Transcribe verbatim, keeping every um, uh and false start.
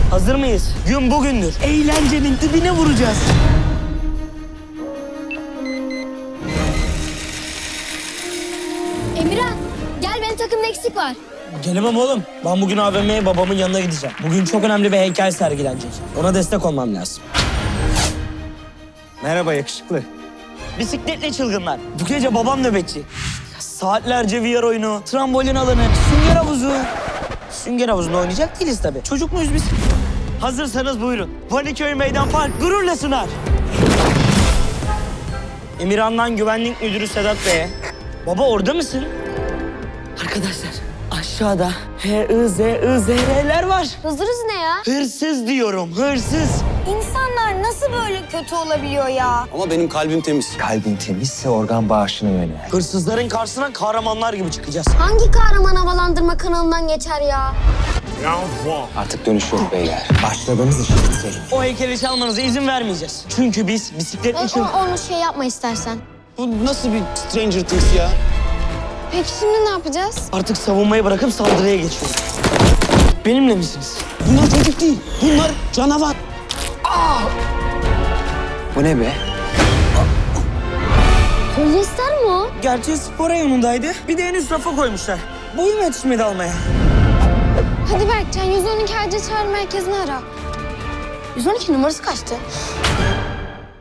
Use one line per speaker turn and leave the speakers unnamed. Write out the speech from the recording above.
Hazır mıyız? Gün bugündür. Eğlencenin dibine vuracağız.
Emirhan, gel benim takımda eksik var.
Gelemem oğlum. Ben bugün A V M'ye babamın yanına gideceğim. Bugün çok önemli bir heykel sergilenecek. Ona destek olmam lazım. Merhaba yakışıklı. Bisikletli çılgınlar. Bu gece babam nöbetçi. Ya saatlerce V R oyunu, trambolin alanı, sünger havuzu. Sünger havuzunda oynayacak değiliz tabii. Çocuk muyuz biz? Hazırsanız buyurun. Vaniköy Meydan Park gururla sunar. Emirhan'dan Güvenlik Müdürü Sedat Bey'e. Baba orada mısın? Arkadaşlar aşağıda H I Z I Z R'ler var.
Hızırız ne ya?
Hırsız diyorum, hırsız.
İnsanlar nasıl böyle kötü olabiliyor ya?
Ama benim kalbim temiz.
Kalbin temizse organ bağışına yönel.
Hırsızların karşısına kahramanlar gibi çıkacağız.
Hangi kahraman havalandırma kanalından geçer ya?
Artık dönüş yok beyler. Başladığımız işi bitirelim.
O heykeli çalmanıza izin vermeyeceğiz. Çünkü biz bisikletli
O,
çıl...
o- onu şey yapma istersen.
Bu nasıl bir Stranger Things ya?
Peki şimdi ne yapacağız?
Artık savunmayı bırakıp saldırıya geçiyoruz. Benimle misiniz?
Bunlar çocuk değil. Bunlar canavar.
Bu ne be?
Polyester mi o?
Gerçi spor reyonundaydı. Bir de en üst rafa koymuşlar. Boyum yetişmedi almaya.
Hadi Berkcan yüz on iki acil çağrı merkezini ara. yüz on iki numarası kaçtı?